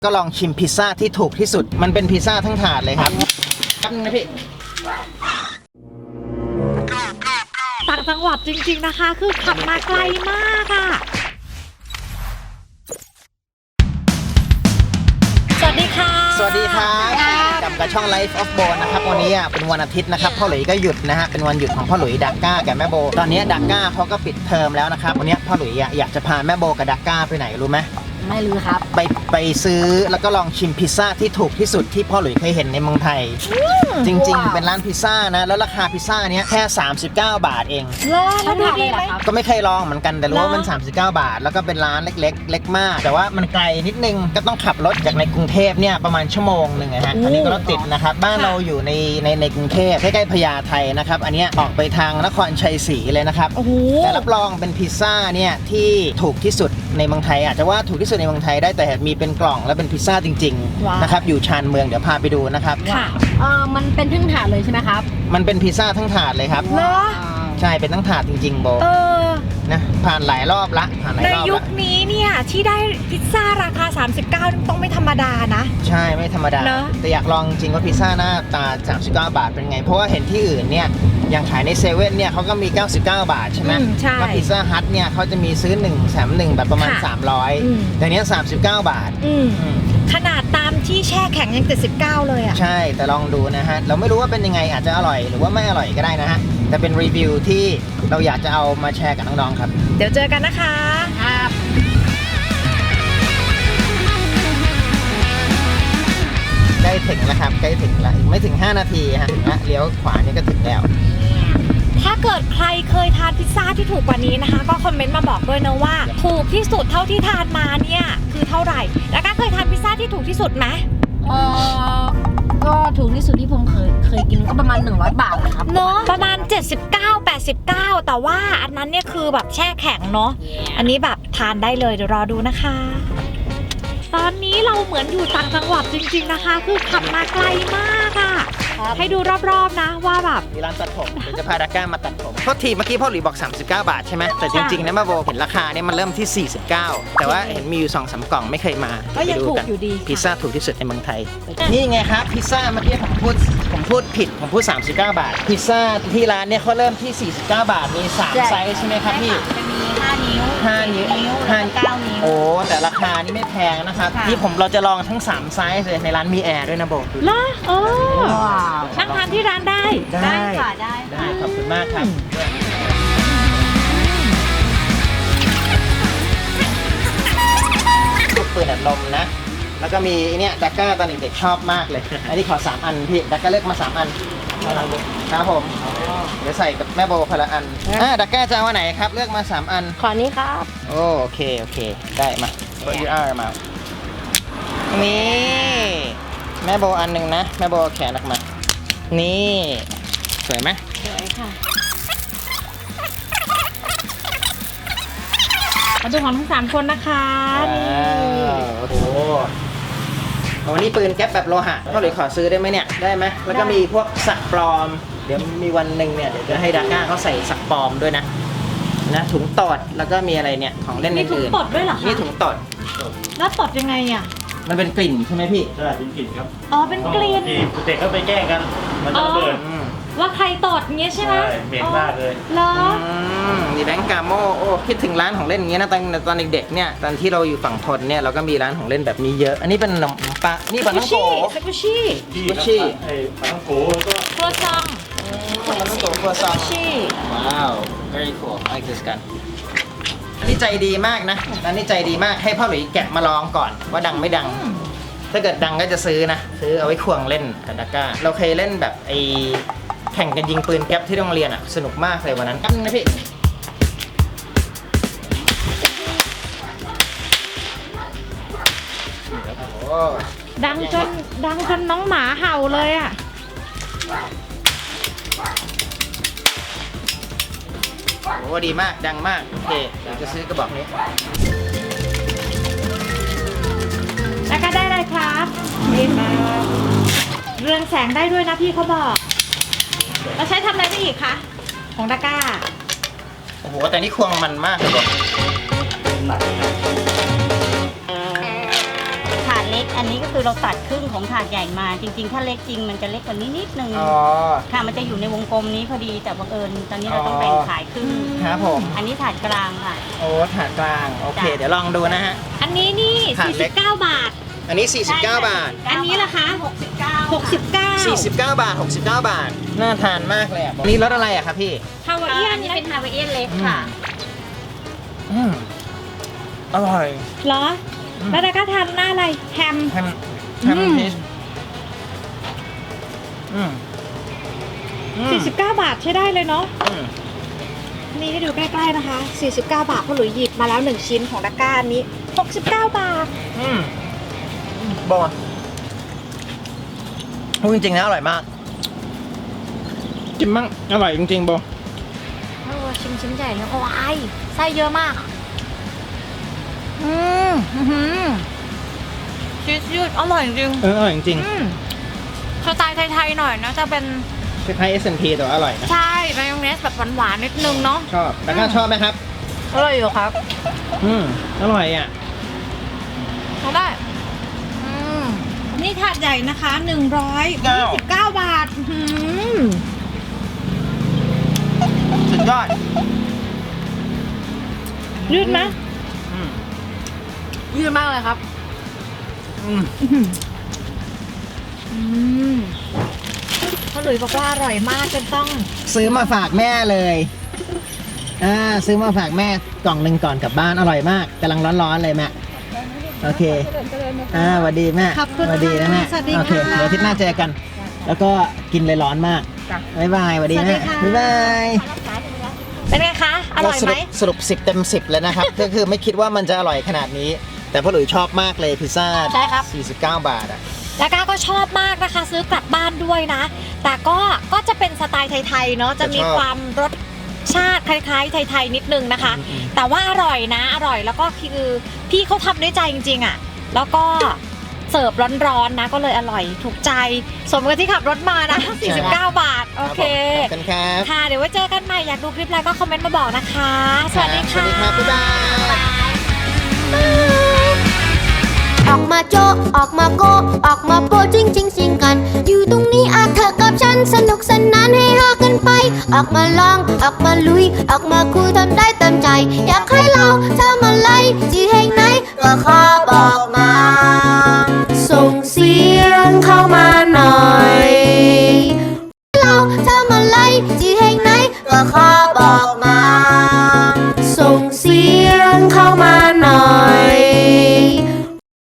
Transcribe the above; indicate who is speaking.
Speaker 1: ก็ลองชิมพิซซ่าที่ถูกที่สุดมันเป็นพิซซ่าทั้งถาดเลยครับแป๊บนึงนะพี่
Speaker 2: ต่างจังหวัดจริงๆนะคะคือขับมาไกลมากอ่ะสวัสดีค่ะ
Speaker 1: สวัสดีครับกับช่อง Life of Bo นะครับวันนี้เป็นวันอาทิตย์นะครับพ่อหลุยก็หยุดนะฮะเป็นวันหยุดของพ่อหลุยดักก้ากับแม่โบตอนนี้ดักก้าเขาก็ปิดเทอมแล้วนะครับวันนี้พ่อหลุยอยากจะพาแม่โบกับดักก้าไปไหนรู้ไหม
Speaker 3: ไม่รู้ครับ
Speaker 1: ไปซื้อแล้วก็ลองชิมพิซซ่าที่ถูกที่สุดที่พ่อหลุยเคยเห็นในเมืองไทยจริงๆเป็นร้านพิซซ่านะแล้วราคาพิซซ่าเนี้ยแค่39 บาทเอง
Speaker 2: แล้วดูดีไหม
Speaker 1: ก็ไม่เคยลองเหมือนกันแต่รู้ว่ามัน39 บาทแล้วก็เป็นร้านเล็กๆเล็กมากแต่ว่ามันไกลนิดนึงก็ต้องขับรถจากในกรุงเทพเนี่ยประมาณชั่วโมงนึงนะฮะอันนี้ก็รถติดนะครับบ้านเราอยู่ในกรุงเทพใกล้ๆพญาไทนะครับอันนี้ออกไปทางนครชัยศรีเลยนะครับแต่รับรองเป็นพิซซ่าเนี่ยที่ถูกที่สุดในเมืองไทยอาจจะว่าถูกที่สุดในเมืองไทยได้แต่มีเป็นกล่องแล้วเป็นพิซซ่าจริงๆนะครับอยู่ชานเมืองเดี๋ยวพาไปดูนะครับ
Speaker 2: ค่ะ
Speaker 3: มันเป็นทั้งถาดเลยใช่ไหมครับ
Speaker 1: มันเป็นพิซซ่าทั้งถาดเลยครับ
Speaker 2: เหรอ
Speaker 1: ใช่เป็นทั้งถาดจริงๆโบนะผ่านหลายรอบละผ่านหลายรอบ
Speaker 2: ในยุคนี้เนี่ยที่ได้พิซซ่าราคา39ต้องไม่ธรรมดานะ
Speaker 1: ใช่ไม่ธรรมดาแต่อยากลองจริงว่าพิซซ่าหน้าตา39 บาทเป็นไงเพราะว่าเห็นที่อื่นเนี่ยอย่างขายในเซเว่นเนี่ยเขาก็มี99 บาทใช่ไหมแล้วพิซซ่าฮัทเนี่ยเขาจะมีซื้อ1แถม1แบบประมาณ300แต่เนี้ย39 บาท
Speaker 2: ขนาดตามที่แช่แข็งยัง79เลยอ่ะ
Speaker 1: ใช่แต่ลองดูนะฮะเราไม่รู้ว่าเป็นยังไงอาจจะอร่อยหรือว่าไม่อร่อยก็ได้นะฮะแต่เป็นรีวิวที่เราอยากจะเอามาแชร์กับน้องๆครับ
Speaker 2: เดี๋ยวเจอกันนะคะ
Speaker 3: ครับ
Speaker 1: ใกล้ถึงแล้วครับใกล้ถึงแล้วไม่ถึง5 นาทีฮะถึงแล้วเลี้ยวขวานี่ก็ถึงแล้ว
Speaker 2: ถ้าเกิดใครเคยทานพิซซ่าที่ถูกกว่านี้นะคะก็คอมเมนต์มาบอกด้วยนะว่าถูกที่สุดเท่าที่ทานมาเนี่ยคือเท่าไหร่แล้วก็เคยทานพิซซ่าที่ถูกที่สุดไหม
Speaker 3: ก็ถูกที่สุดที่ผมเคยกินก็ประมาณ100 บาทนะครับ
Speaker 2: เนาะประมาณ79-89แต่ว่าอันนั้นเนี่ยคือแบบแช่แข็งเนาะอันนี้แบบทานได้เลยเดี๋ยวรอดูนะคะตอนนี้เราเหมือนอยู่ต่างจังหวัดจริงๆนะคะคือขับมาไกลมากอะให้ดูรอบๆนะว่าแบบ
Speaker 1: มีร้านตัดผมเดี๋ยวจะพาดักก้ามาตัดผมเพราะทีเมื่อกี้พ่อหลุยบอก39 บาทใช่ไหมแต่จริงๆนะแม่โบเห็นราคาเนี่ยมันเริ่มที่49แต่ว่าเห็นมีอยู่2-3 กล่องไม่เคยมา
Speaker 2: ก็ยังถูกอยู่ดี
Speaker 1: พิซซ่าถูกที่สุดในเมืองไทยนี่ไงครับพิซซ่าเมื่อกี้ผมพูดผิดผมพูด39 บาทพิซซ่าที่ร้านเนี่ยเขาเริ่มที่49 บาทมี3ไซส์ใช่ไหมครับพี่
Speaker 3: จะมี5 นิ้ว
Speaker 1: 5 นิ้ว
Speaker 3: 9 นิ้ว
Speaker 1: โอ้แต่ราคานี่ไม่แพงนะครับนี่เราจะลองทั้ง3ไซส์เลยในร้านมีแอร์ด้วยนะโบ
Speaker 2: ล่ะนั่งทานที่ร้านได้
Speaker 3: ค่ะได้
Speaker 1: ขอบคุณมากครับลูกปืนอัดลมนะแล้วก็มีเนี่ยดักก้าตอนเด็กๆชอบมากเลยอันนี้ขอ3 อันพี่ดักก้าเลือกมา3 อันครับผมเดี๋ยวใส่กับแม่โบคนละอันดักก้าจะเอาอันไหนครับเลือกมา3 อัน
Speaker 3: ขอนี้ครับ
Speaker 1: โอเคได้มาเปิดยูอาร์มานี่แม่โบอันหนึ่งนะแม่โบแขนออกมานี่สวยไหม
Speaker 3: สวยค่ะ
Speaker 2: มาดูของทั้ง3 คนนะคะ
Speaker 1: โอ้โหวันนี้ปืนแก๊ปแบบโลหะพ่อหลุยขอซื้อได้ไหมเนี่ยได้ไหมแล้วก็มีพวกสักปลอมเดี๋ยวมีวันหนึ่งเนี่ยเดี๋ยวจะให้ดักก้าเขาใส่สักปลอมด้วยนะถุงตดแล้วก็มีอะไรเนี่ยของเล่นอื่น
Speaker 2: มีถุงตดด้วยเหรอคะ
Speaker 1: นี่ถุงตด
Speaker 2: แล้วตดยังไงอ่ะ
Speaker 1: มันเป็นกลิ่นใช่ไหมพี่
Speaker 4: ใช่เป็นกลิ่นครับ
Speaker 2: เป็นกลิ่น
Speaker 4: เด็กก็ไปแกล้งกันมันจะระเบิด
Speaker 2: ว่าใครตดเงี้ยใช่ไหม
Speaker 4: เหม็นมากเลย
Speaker 2: เหรอ
Speaker 1: นี่แบงก์กาโมคิดถึงร้านของเล่นอย่างเงี้ยนะตอนเด็กๆเนี่ยตอนที่เราอยู่ฝั่งทนเนี่ยเราก็มีร้านของเล่นแบบนี้เยอะอันนี้เป็นขนมปังนี่ปลาท่องโก
Speaker 2: ซากุชิ
Speaker 4: ไอ้ปลาท่องโกแล้วก็
Speaker 2: ครัวซอง
Speaker 1: ปลาท่องโกครัวซองว้าว very cool I like this กันอันนี้ใจดีมากนะอันนี้ใจดีมากให้พ่อหลุยแกะมาลองก่อนว่าดังไม่ดังถ้าเกิดดังก็จะซื้อนะซื้อเอาไว้ควงเล่นกับดักก้าเราเคยเล่นแบบแข่งกันยิงปืนแก๊ปที่โรงเรียนสนุกมากเลยวันนั้นแป๊บนึงนะพี่
Speaker 2: ดังจนน้องหมาเห่าเลยอ่ะ
Speaker 1: โอ้ดีมากดังมากโอเคเดี๋ยวจะซื้อกระบอกนี้
Speaker 2: แล้วก็ได้เลยครับนี่มาเรืองแสงได้ด้วยนะพี่เขาบอกเราใช้ทำอะไรได้อีกคะของดักก้า
Speaker 1: โอ้โหแต่นี่ควงมันมากเลยบอก
Speaker 4: หนัก
Speaker 3: ถาดเล็ก
Speaker 5: อันนี้ก็คือเราตัดครึ่งของถาดใหญ่มา จริงๆ ถ้าเล็กจริงมันจะเล็กกว่านี้นิดนึง
Speaker 1: อ๋อ
Speaker 5: ค่ะมันจะอยู่ในวงกลมนี้พอดีแต่บังเอิญตอนนี้เราต้องแบ่งขายครึ่ง
Speaker 1: ครับผม
Speaker 5: อันนี้ถาดกลางค่ะ
Speaker 1: โอ้ถาดกลางโอเค
Speaker 5: จ้ะ
Speaker 1: เดี๋ยวลองดูนะฮะ
Speaker 2: อันนี้นี่
Speaker 1: ถาดเล็ก
Speaker 2: 49 บาท
Speaker 1: อันนี้ 49 บาท
Speaker 2: อันนี้ล่ะคะ 69
Speaker 1: 49 บาท 69 บาท น่าทานมากเลยอ่ะนี่รสอะไรอ่ะครับพี่
Speaker 2: ฮาวา
Speaker 5: อั
Speaker 2: เอียน
Speaker 5: นนี้เป็นฮาวายเอียนเล็กค่ะ
Speaker 1: อืมอร่อย
Speaker 2: เหรอ แล้วก็ทานหน้าอะไรแฮม
Speaker 1: แฮม
Speaker 2: อืม
Speaker 1: ชีสอืมอืม
Speaker 2: 49 บาทใช้ได้เลยเนาะ
Speaker 1: อืม
Speaker 2: นี่ให้ดูใกล้ๆนะคะ 49 บาทพ่อหลุยหยิบมาแล้ว 1 ชิ้นของตะกร้านี้ 69 บาท
Speaker 1: อืมบอพูดจริงๆนะอร่อยมากจิ้มมั่งอร่อยจริงๆโบ
Speaker 2: โอ้ชิมชิ้นใหญ่เลยโอ้ยไส้เยอะมาก ชีสยืดอร่อยจริง
Speaker 1: อร่อยจริง
Speaker 2: สไตล์ไทยๆหน่อยนะจะเป็น
Speaker 1: ๆคล้ายๆ S&P แต่ว่าอร่อยนะ
Speaker 2: ใช่มายองเนสแบบหวานๆนิดนึงเนาะ
Speaker 1: ชอบแล้วก็ชอบไหมครับ
Speaker 2: อร่อยอยู่ครับ
Speaker 1: อร่อยอ่ะ
Speaker 2: เอาได้นี่ถาดใหญ่นะคะ129 บาท
Speaker 1: สุดยอด
Speaker 2: ยืดไหม
Speaker 3: ยืดมากเลยครับ
Speaker 2: พ่อหลุยบอกว่าอร่อยมากจนต้อง
Speaker 1: ซื้อมาฝากแม่เลยซื้อมาฝากแม่กล่องหนึ่งก่อนกลับบ้านอร่อยมากกำลังร้อนๆเลยแม่โอเคสวัสดีแม่
Speaker 2: ขอบคุณ
Speaker 1: สวัสดีนะแม่
Speaker 2: สวัสดี
Speaker 1: โอเค
Speaker 2: ค่ะ
Speaker 1: เดี๋ยวอาทิตย์หน้าเจอกัน แล้วก็กินเลยร้อนมาก
Speaker 3: จ้ะ
Speaker 1: บ๊ายบายสวัสดี
Speaker 2: สวัสดี
Speaker 1: แม่
Speaker 2: ค่ะ
Speaker 1: บ๊ายบาย
Speaker 2: เป็นไงคะ อร่อยไหม
Speaker 1: สรุป10 เต็ม 10เลยนะครับ ก็คือไม่คิดว่ามันจะอร่อยขนาดนี้ แต่พ่อหลุยชอบมากเลยพิซซ่า
Speaker 2: ใช่ครับ
Speaker 1: 49 บาทอ่ะ
Speaker 2: แล้วก็ชอบมากนะคะ ซื้อกลับบ้านด้วยนะ แต่ก็จะเป็นสไตล์ไทยๆเนาะจะมี
Speaker 1: จะชอบ
Speaker 2: ความรสชาติคล้ายๆไทยๆนิดนึงนะคะ แต่ว่าอร่อยนะอร่อยแล้วก็คือพี่เขาทำด้วยใจจริงๆอ่ะแล้วก็เสิร์ฟร้อนๆนะก็เลยอร่อยถูกใจ สมกับที่ขับรถมานะ 49 บาท โอเค
Speaker 1: ขอบคุณครับ
Speaker 2: ค่ะ เดี๋ยวไว้เจอกันใหม่ อยากดูคลิปอะไรก็คอมเมนต์มาบอกนะคะ สวัสดี
Speaker 1: สวั
Speaker 2: ค่ะ
Speaker 1: สดีครับบ๊ายบาย
Speaker 6: ออกมาโจะออกมาโกะออกมาโปะจริงจริงสิงกัน อยู่ตรงนี้อาเธอกับฉันสนุกสนานให้ฮากันไป ออกมาลองออกมาลุย ออกมาคุยทำได้เต็มใจ อยากให้เราทำอะไรที่แห่งไหนก็ขอบอกมา